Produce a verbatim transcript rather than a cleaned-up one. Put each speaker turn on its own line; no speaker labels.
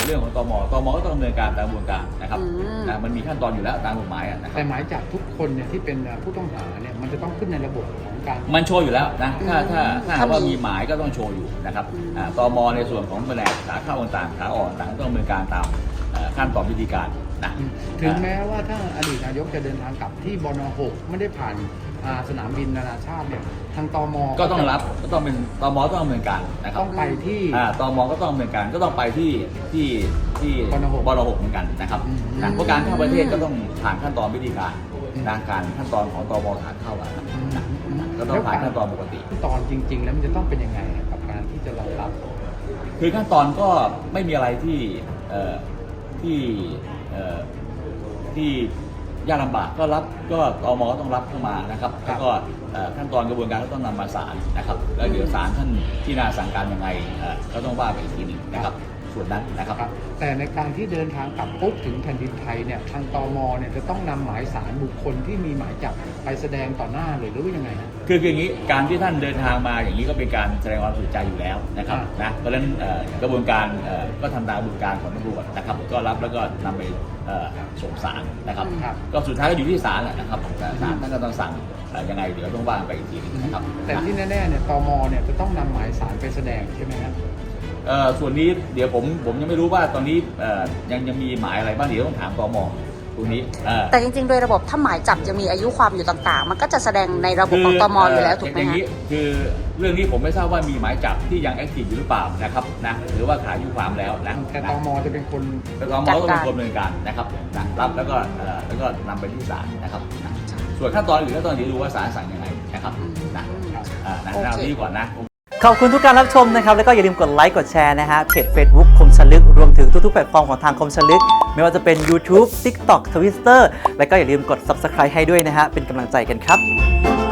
เรื่องของตมตมก็ต้องดำเนินการตามกระบวนการนะครับนะมันมีขั้นตอนอยู่แล้วตามกฎหมายนะครับ
แต่หมายจับทุกคนเนี่ยที่เป็นผู้ต้องหาเนี่ยมันจะต้องขึ้นในระบบของการ
มันโชว์อยู่แล้วนะถ้าถ้าถ้าว่ามีหมายก็ต้องโชว์อยู่นะครับตมในส่วนของแผนกขาเข้าต่างๆขาออกต่างต้องดำเนินการตามขั้นตอนวิธีการนะ
ถึงแม้ว่าถ้าอดีตนายกจะเดินทางกลับที่บน.หกไม่ได้ผ่านสนามบินนานาชาติเนี่ยทางตม.
ก็ต้องรับก็ต้องเป็นตม.ต้องดำเนินการนะครับ
ต้องไปที่
ตม.ก็ต้องดำเนินการก็ต้องไปที่ที่ที่บน.หกเหมือนกันนะครับเพราะการเข้าประเทศก็ต้องผ่านขั้นตอนวิธีการทางการขั้นตอนของตม.ขาเข้าครับก็ต้องผ่านขั้นตอนปกติ
ขั้นตอนจริงๆแล้วมันจะต้องเป็นยังไงกับการที่จะรองรับ
คือขั้นตอนก็ไม่มีอะไรที่ที่ที่ยากลำบากก็รับก็ตม.ก็ต้องรับเข้ามานะครับแล้วก็ขั้นตอนกระบวนการก็ต้องนำมาศาลนะครับแล้วเดี๋ยวศาลท่านที่น่าสั่งการยังไงก็ต้องว่าไปอีกทีหนึ่งนะครับส่วนนั้นนะครับ
แต่ในการที่เดินทางกลับปุ๊บถึงแผ่นดินไทยเนี่ยทางตม.เนี่ยจะต้องนำหมายสารบุคคลที่มีหมายจับไปแสดงต่อหน้าเลยหรือว่ายังไงนะ
คืออย่างนี้การที่ท่านเดินทางมาอย่างนี้ก็เป็นการแสดงความสุขใจอยู่แล้วนะครับนะเพราะฉะนั้นกระบวนการก็ทำตามกระบวนการของตำรวจนะครับก็รับแล้วก็นำไปส่งศาลนะครับก็สุดท้ายก็อยู่ที่ศาลแหละนะครับศาลท่านก็ต้องสั่งยังไงเดี๋ยวต้องว่าไปอีกทีนึงนะครับ
แต่ที่แน่ๆเนี่ยตม.เนี่ยจะต้องนำหมายสารไปแสดงใช่ไหมครับ
ส่วนนี้เดี๋ยวผมผมยังไม่รู้ว่าตอนนี้ยังยังมีหมายอะไรบ้างเดี๋ยวต้องถามตม.ตรงนี้
แต่จริงๆโดยระบบถ้าหมายจับจะมีอายุความอยู่ต่างๆมันก็จะแสดงในระบบของตม.อยู่แล้วถูกไหม
ฮะคือเรื่องนี้ผมไม่ทราบว่ามีหมายจับที่ยังแอคทีฟอยู่หรือเปล่านะครับนะหรือว่าขาดอายุความแล้วนะ
แต่ตม.จะเป็นคน
แต่ตม.ต้องเป็นคนดำเนินการนะครับรับแล้วก็แล้วก็นำไปที่ศาลนะครับส่วนขั้นตอนอื่นขั้นตอนนี้ดูว่าศาลสั่งยังไงนะครับนะนะเอาที่ก่อนนะ
ขอบคุณทุกการรับชมนะครับแล้วก็อย่าลืมกดไลค์กดแชร์นะฮะเพจ Facebook คมชลึกรวมถึงทุกๆแพลตฟอร์มของทางคมชลึกไม่ว่าจะเป็น YouTube TikTok Twitter แล้วก็อย่าลืมกด Subscribe ให้ด้วยนะฮะเป็นกำลังใจกันครับ